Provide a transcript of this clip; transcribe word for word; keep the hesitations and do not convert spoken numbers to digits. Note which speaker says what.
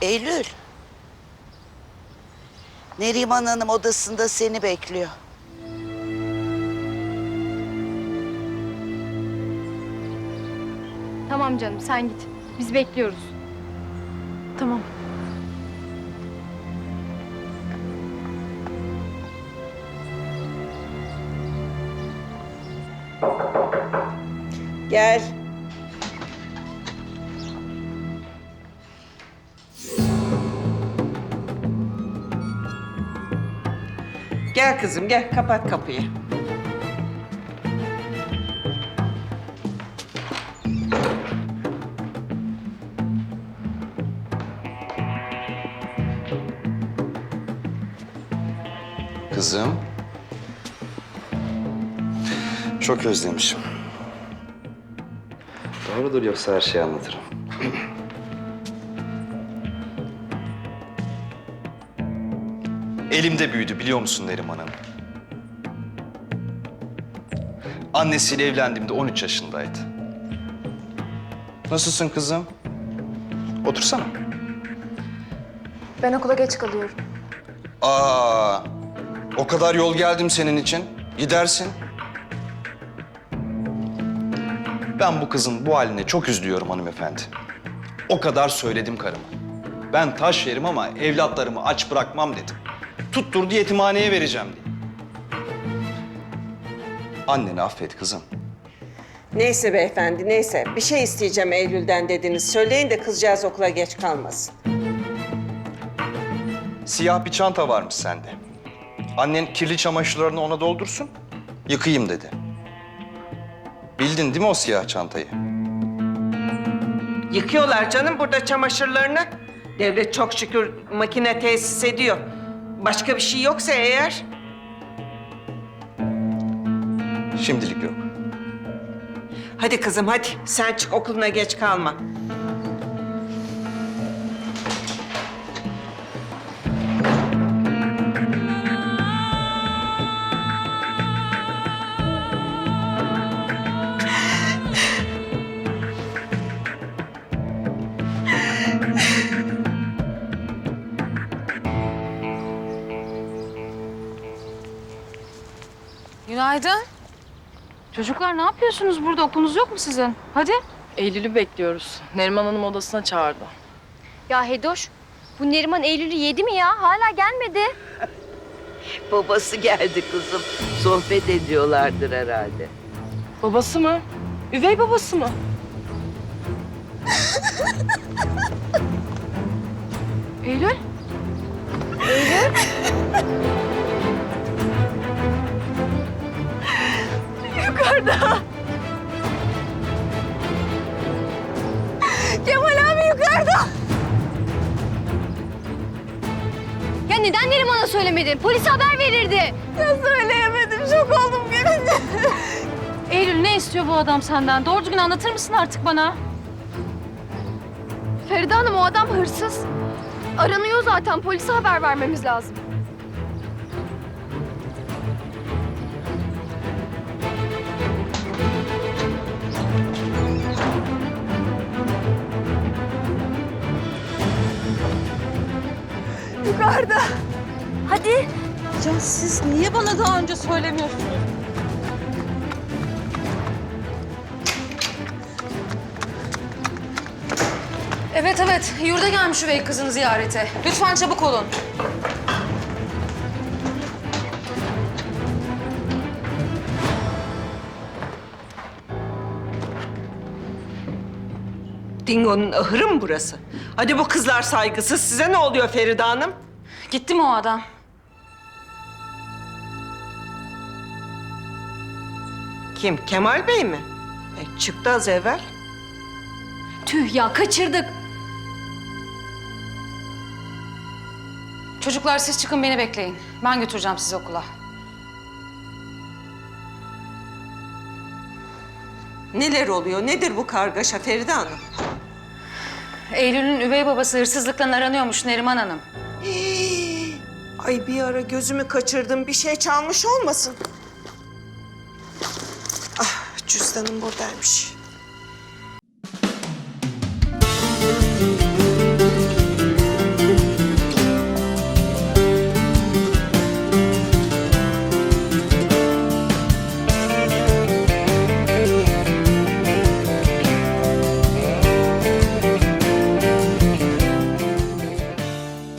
Speaker 1: Eylül. Neriman Hanım odasında seni bekliyor.
Speaker 2: Tamam canım, sen git. Biz bekliyoruz.
Speaker 3: Tamam.
Speaker 4: Gel. Gel kızım gel, kapat kapıyı.
Speaker 5: Kızım. Çok özlemişim. Doğrudur, yoksa her şeyi anlatırım. Elimde büyüdü, biliyor musun Neriman Hanım? Annesiyle evlendiğimde on üç yaşındaydı. Nasılsın kızım? Otursana.
Speaker 3: Ben okula geç kalıyorum.
Speaker 5: Aa, o kadar yol geldim senin için. Gidersin. Ben bu kızın bu haline çok üzülüyorum hanımefendi. O kadar söyledim karıma. Ben taş yerim ama evlatlarımı aç bırakmam dedim. Tutturdu yetimhaneye vereceğim diye. Anneni affet kızım.
Speaker 4: Neyse beyefendi, neyse. Bir şey isteyeceğim Eylül'den dediniz. Söyleyin de kızcağız okula geç kalmasın.
Speaker 5: Siyah bir çanta varmış sende. Annen kirli çamaşırlarını ona doldursun, yıkayayım dedi. Bildin değil mi o siyah çantayı?
Speaker 4: Yıkıyorlar canım burada çamaşırlarını. Devlet çok şükür makine tesis ediyor. Başka bir şey yoksa eğer...
Speaker 5: Şimdilik yok.
Speaker 4: Hadi kızım hadi. Sen çık okuluna geç kalma.
Speaker 6: Günaydın.
Speaker 2: Çocuklar ne yapıyorsunuz burada? Okulunuz yok mu sizin? Hadi.
Speaker 3: Eylül'ü bekliyoruz. Neriman Hanım odasına çağırdı.
Speaker 2: Ya Hedoş, bu Neriman Eylül'ü yedi mi ya? Hala gelmedi.
Speaker 7: Babası geldi kızım. Sohbet ediyorlardır herhalde.
Speaker 3: Babası mı? Üvey babası mı?
Speaker 2: Eylül?
Speaker 3: Yukarıda. Kemal abi yukarıda.
Speaker 2: Ya neden Neriman'a söylemedin? Polise haber verirdi.
Speaker 3: Ya söyleyemedim. Şok oldum görünce.
Speaker 2: Eylül ne istiyor bu adam senden? Doğru düzgün anlatır mısın artık bana?
Speaker 6: Feride Hanım, o adam hırsız. Aranıyor zaten. Polise haber vermemiz lazım.
Speaker 3: Yukarıda.
Speaker 2: Hadi.
Speaker 3: Ya siz niye bana daha önce söylemiyorsunuz?
Speaker 8: Evet evet, yurda gelmiş üvey kızını ziyarete. Lütfen çabuk olun.
Speaker 4: Dingo'nun ahırı mı burası? Hadi bu kızlar saygısız. Size ne oluyor Feride Hanım?
Speaker 8: Gitti mi o adam?
Speaker 4: Kim? Kemal Bey mi? E, çıktı az evvel.
Speaker 8: Tüh ya, kaçırdık. Çocuklar siz çıkın, beni bekleyin. Ben götüreceğim sizi okula.
Speaker 4: Neler oluyor? Nedir bu kargaşa Feride Hanım?
Speaker 8: Eylül'ün üvey babası hırsızlıktan aranıyormuş Neriman Hanım.
Speaker 4: Hii! Ay bir ara gözümü kaçırdım. Bir şey çalmış olmasın? Ah, cüzdanım buradaymış.